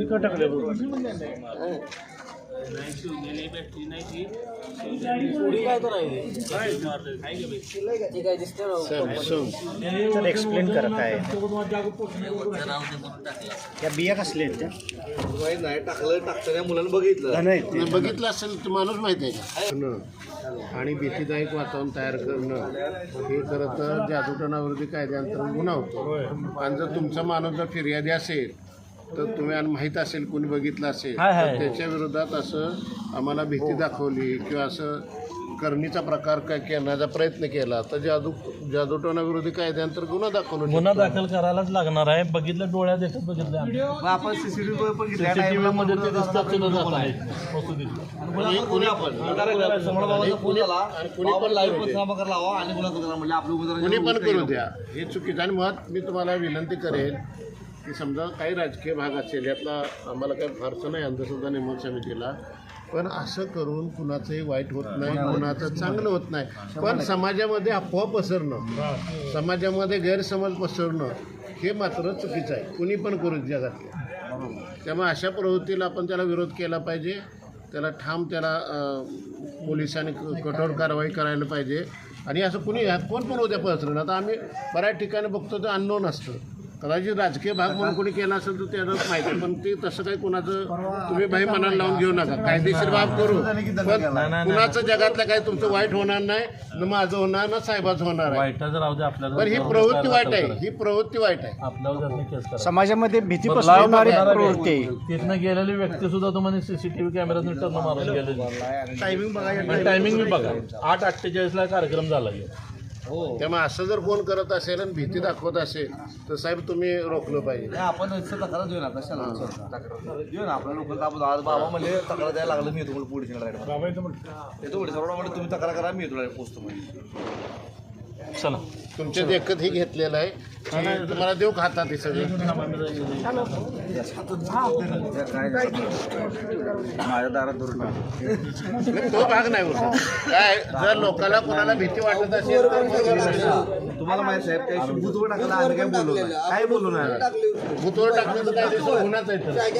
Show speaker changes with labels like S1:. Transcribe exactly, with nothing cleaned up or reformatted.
S1: का टाकले एक्सप्लेन करा काय त्या बिया कसल्या आहेत त्या
S2: नाही टाकलं टाकताना मुलांना बघितलं
S1: नाही
S3: बघितलं असेल तर माणूस माहिती आहे का आणि भीतीदायक वातावरण तयार करणं हे खरं तर जादूटोणाविरोधी कायद्याअंतर्गत गुन्हा होतो आणि जर तुमचा माणूस जर फिर्यादी असेल तर तुम्ही आणि माहीत असेल कोणी बघितलं असेल तर त्याच्या विरोधात असं आम्हाला भीती दाखवली किंवा असं करणीचा प्रकार काय करण्याचा प्रयत्न केला तर जादू जादूटोणाविरोधी कायद्याअंतर्गत गुन्हा दाखल
S1: गुन्हा दाखल करायलाच लागणार आहे. बघितलं डोळ्यात येतात बघितलं
S2: आपण सीसीटीव्ही बघितलं
S1: सीसीटीव्ही मध्ये ते दिसतात
S3: कोणी पण करू द्या हे चुकीचं. आणि मुळात मी तुम्हाला विनंती करेन की समजा काही राजकीय भाग असेल यातला आम्हाला काही फारसं नाही अंधश्रद्धा नेमक समितीला पण असं करून कुणाचंही वाईट होत नाही कुणाचं चांगलं होत नाही पण समाजामध्ये अफवा पसरणं समाजामध्ये गैरसमज पसरणं हे मात्र चुकीचं आहे. कुणी पण करू जगातल्या त्यामुळे अशा प्रवृत्तीला आपण त्याला विरोध केला पाहिजे. त्याला ठाम त्याला पोलिसांनी कठोर कारवाई करायला पाहिजे. आणि असं कुणी ह्यात कोण पण उद्या पसरणं आता आम्ही बऱ्याच ठिकाणी बघतो तर अननोन असतं कदाचित राजकीय भाग म्हणून कोणी केला असेल तर त्याला माहिती पण ते तसं काही कुणाचं तुम्ही भाई मनाला लावून घेऊ नका. कायदेशीर बाब करू पण कुणाचं जगातलं काही तुमचं वाईट होणार नाही न माझं होणार ना साहेबाचं होणार आहे. पण ही प्रवृत्ती वाईट आहे ही प्रवृत्ती वाईट आहे
S1: आपल्यावर
S4: समाजामध्ये भीती पसरवणारी प्रवृत्ती
S1: तिथनं गेलेली व्यक्ती सुद्धा तुम्हाला सीसीटीव्ही कॅमेरा टर्न मारून गेलेली टायमिंग बघा टायमिंग बी बघा आठ अठ्ठेचाळीस ला कार्यक्रम झाला.
S3: त्यामुळे असं जर कोण करत असेल आणि भीती दाखवत असेल तर साहेब तुम्ही रोखलं पाहिजे.
S2: आपण तक्रार देऊ ना कशाला देऊ ना आपल्या लोक बाबा म्हणजे तक्रार द्यायला लागलं मी येतो पोलीस येतो म्हणजे तुम्ही तक्रार करा मी येतो पोस्ट मध्ये
S1: चला
S3: तुमच्या देखत ही घेतलेलं आहे की तुम्हाला देऊ खातात हे सगळं
S2: माझ्या दारात धरून
S3: तो भाग नाही होता काय जर लोकांना कोणाला भीती वाटत असेल तर
S2: तुम्हाला माहिती साहेब काही भूतवर टाकला आम्ही काय बोललो काय बोललो नाही
S3: भूतवर टाकण्याचं काय गुन्हाच आहे.